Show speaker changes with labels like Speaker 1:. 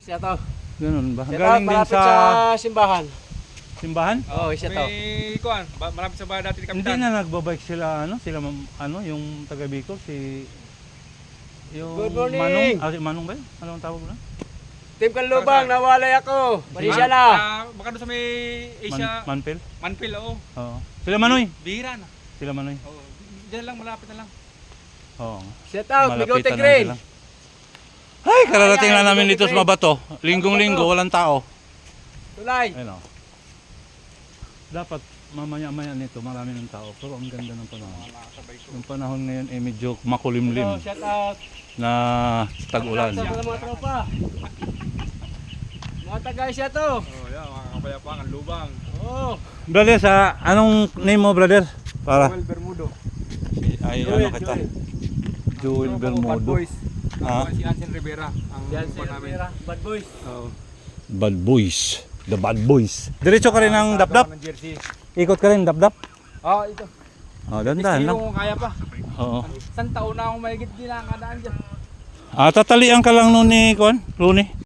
Speaker 1: Siya to.
Speaker 2: Ganun ba?
Speaker 1: Siya to,
Speaker 2: Galing din
Speaker 1: malapit
Speaker 2: sa
Speaker 1: sa simbahan.
Speaker 2: simbahan?
Speaker 1: Oo, siya to.
Speaker 3: May kuan, marami sa bahay dati ni
Speaker 2: Hindi
Speaker 3: Kapitan.
Speaker 2: na nagbabike sila yung taga Bicol yung
Speaker 1: Good morning.
Speaker 2: Manong, si Manong ba yun? Anong tawag na?
Speaker 1: Team Kanlubang, nawalay ako. Pasensya na.
Speaker 3: Baka doon sa may Asia,
Speaker 2: Manpil?
Speaker 3: Manpil, oo.
Speaker 2: Oo. Sila Manoy.
Speaker 3: Bihira na.
Speaker 2: Sila Manoy.
Speaker 3: Oo. Diyan lang, malapit na lang.
Speaker 2: Oo.
Speaker 1: Shout out, Bigote
Speaker 2: Malapitan lang
Speaker 1: Green.
Speaker 2: sila. Ay, kararating
Speaker 1: Ay,
Speaker 2: lang namin
Speaker 1: Bigote
Speaker 2: dito sa
Speaker 1: Green.
Speaker 2: Mabato. Linggong-linggo, walang tao.
Speaker 1: Tulay.
Speaker 2: Ayun o. Dapat mamaya-maya nito marami ng tao. Pero ang ganda ng panahon.
Speaker 3: Nakasabay ko.
Speaker 2: Yung panahon ngayon ay medyo makulimlim
Speaker 1: Shout out.
Speaker 2: na tag-ulan.
Speaker 1: Sa mga tropa. Mga taga siya to.
Speaker 3: Oh, yeah, mga kapayapaan, ang lubang.
Speaker 1: Oo.
Speaker 2: Brother, sa anong name mo, brother? Para
Speaker 3: Joel Bermudo.
Speaker 2: ay
Speaker 1: Joel,
Speaker 2: ano kita?
Speaker 1: Joel.
Speaker 2: Joel
Speaker 3: Bad
Speaker 2: Bermudo.
Speaker 3: Boys.
Speaker 2: Ha?
Speaker 3: Si Ansel Rivera. Ang
Speaker 1: Yan si
Speaker 3: kuwan namin.
Speaker 1: Rivera, Bad Boys.
Speaker 3: Oo.
Speaker 2: Bad Boys. The Bad Boys. Diretso ka rin ng dapdap?
Speaker 3: Ng jersey.
Speaker 2: Ikot ka rin dapdap?
Speaker 3: Ah, ito.
Speaker 2: Oh, dandan lang.
Speaker 3: Kung kaya pa.
Speaker 2: Oo.
Speaker 3: Isang taon na akong mahigit din nakakadaan dyan.
Speaker 2: Tatalian ka lang nun ni Rooney.